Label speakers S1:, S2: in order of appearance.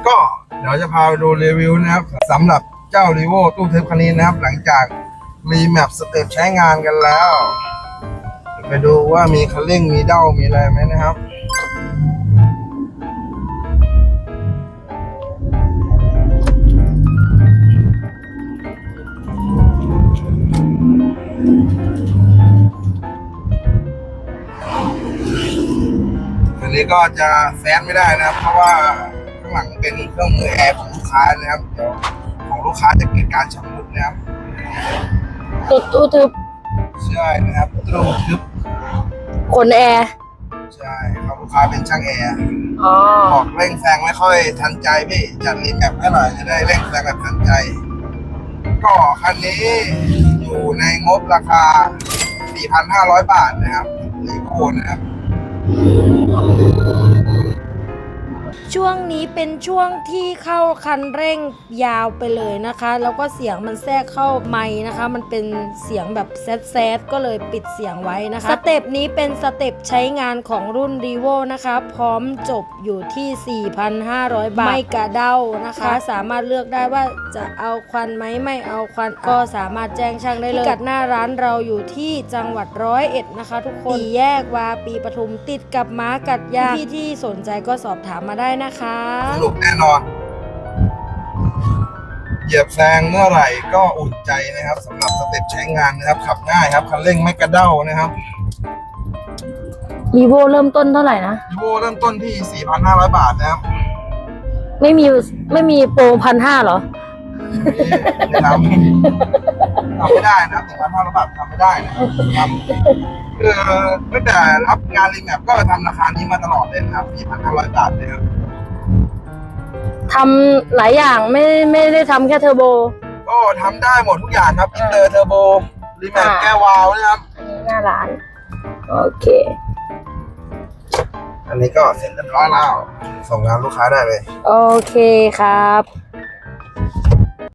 S1: ก็เดี๋ยวจะพาไปดูรีวิวนะครับสำหรับเจ้า Revo ตู้ทึบคันนี้นะครับหลังจากรีแมปสเต็ปใช้งานกันแล้วไปดูว่ามีคันเร่งมีเด้ามีอะไรไหมนะครับอันนี้ก็จะแซนไม่ได้นะครับเพราะว่าข้างหลังเป็นเครื่องมือแอร์ของลูกค้านะครับเดี๋ยวของลูกค้าจะเกิดการชำรุดนะครับ
S2: ตู้ทึบ
S1: ใช่นะครับตู้ทึบ
S2: ขนแอร์
S1: ใช่ครับลูกค้าเป็นช่างแอร์
S2: อ๋อ
S1: บอกเร่งแซงไม่ค่อยทันใจพี่จัดรีแมปให้หน่อยจะได้เร่งแซงแบบทันใจก็คันนี้อยู่ในงบราคา 4,500 บาทนะครับรีโวนะครับ
S2: ช่วงนี้เป็นช่วงที่เข้าคันเร่งยาวไปเลยนะคะแล้วก็เสียงมันแทรกเข้าไมค์นะคะมันเป็นเสียงแบบแซดก็เลยปิดเสียงไว้นะคะสเต็ปนี้เป็นสเต็ปใช้งานของรุ่น Revo นะคะพร้อมจบอยู่ที่ 4,500 บาทไม่กระเด้านะคะสามารถเลือกได้ว่าจะเอาควันไหมไม่เอาควันก็สามารถแจ้งช่างได้เลยพิกัดหน้าร้านเราอยู่ที่จังหวัด101นะคะทุกคน4 แยกวาปีปทุมติดกับม้ากัดยางที่สนใจก็สอบถามมาได้นะคะ
S1: สรุปแน่นอนเหยียบแซงเมื่อไหร่ก็อุ่นใจนะครับสำหรับสเต็ปใช้งานนะครับขับง่ายครับคันเร่งไม่กระเด้านะครับ
S2: Revo เริ่มต้นเท่าไหร่นะ
S1: Revo เริ่มต้นที่ 4,500 บาทนะครับ
S2: ไม่มีโปร1,500 เหรอ
S1: ไม่ทำไม่ได้นะ1,500 บาททำไม่ได้นะครับคือตั้งแต่รับงานรีแมปก็ทำราคานี้มาตลอดเลยนะครับ 4,500 บาทเลยครับ
S2: ทำหลายอย่างไม่ได้ทำแค่เทอร์โบ
S1: ก็ทำได้หมดทุกอย่างครับอินเตอร์เทอร์โบรีแมปแก้วาล์วนะครับ
S2: หน้าร้านโอเค
S1: อันนี้ก็เสร็จเรียบร้อยแล้วส่งงานลูกค้าได้เลย
S2: โอเคครับ